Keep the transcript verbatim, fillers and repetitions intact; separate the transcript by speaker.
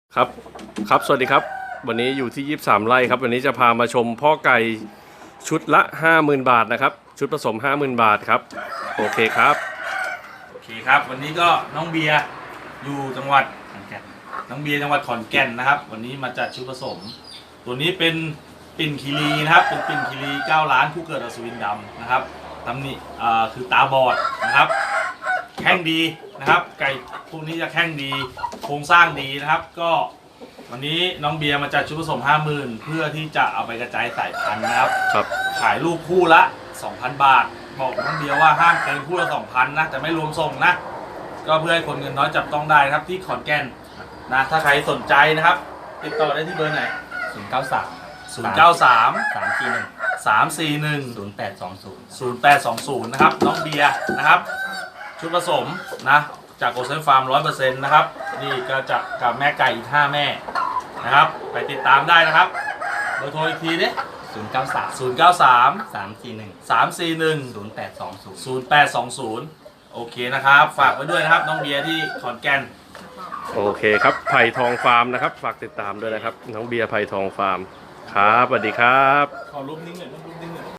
Speaker 1: ครับครับสวัสดีครับวันนี้อยู่ที่ยี่สิบสามไร่ครับวันนี้จะพามาชมพ่อไก่ชุดละ ห้าหมื่น บาทนะครับชุดผสม ห้าหมื่น บาทครับโอเคครับ
Speaker 2: โอเคครับวันนี้ก็น้องเบียร์อยู่จังหวัดขอนแก่นน้องเบียร์จังหวัดขอนแก่นนะครับวันนี้มาจัดชุดผสมตัวนี้เป็นปิ่นคีรีนะครับเป็นปิ่นคีรีเก้าล้านผู้เกิดอัศวินดำนะครับตำหนิอ่าคือตาบอดนะครับแข้งดีนะครับไก่พวกนี้จะแข้งดีโครงสร้างดีนะครับก็วันนี้น้องเบียร์มาจัดชุดผสม ห้าหมื่น เพื่อที่จะเอาไปกระจายสายพันธุ์นะครับ
Speaker 1: ครับ
Speaker 2: ขายลูกคู่ละ สองพัน บาทบอกน้องเบียร์ว่าห้ามเกินคู่ละ สองพัน นะแต่ไม่รวมส่งนะก็เพื่อให้คนเงินน้อยจับต้องได้ครับที่ขอนแก่นนะถ้าใครสนใจนะครับติดต่อได้ที่เบอร์ไหน
Speaker 3: ศูนย์เก้าสาม
Speaker 2: ศูนย์ เก้า สาม
Speaker 3: สามสี่หนึ่ง
Speaker 2: สาม สี่ หนึ่ง
Speaker 3: ศูนย์แปดสองศูนย์
Speaker 2: ศูนย์ แปด สอง ศูนย์นะครับน้องเบียร์นะครับชุดผสมนะจากโอเซนฟาร์ม ร้อยเปอร์เซ็นต์ นะครับนี่ก็จะกับแม่ไก่อีกห้าแม่นะครับไปติดตามได้นะครับเบอร์โทรอีกทีดิ
Speaker 3: ศูนย์เก้าสาม
Speaker 2: ศูนย์ เก้า สาม
Speaker 3: สามสี่หนึ่ง
Speaker 2: สาม สี่ หนึ่ง
Speaker 3: ศูนย์แปดสองศูนย์
Speaker 2: ศูนย์ แปด สอง ศูนย์โอเคนะครับฝากไว้ด้วยนะครับน้องเบียร์ที่ขอนแก่น
Speaker 1: โอเคครับไผ่ทองฟาร์มนะครับฝากติดตามด้วยนะครับน้องเบียร์ไผ่ทองฟาร์มครับสวัสดีครับ
Speaker 2: ขอรูปนิ่งหน่อยรูปนิ่งหน่อย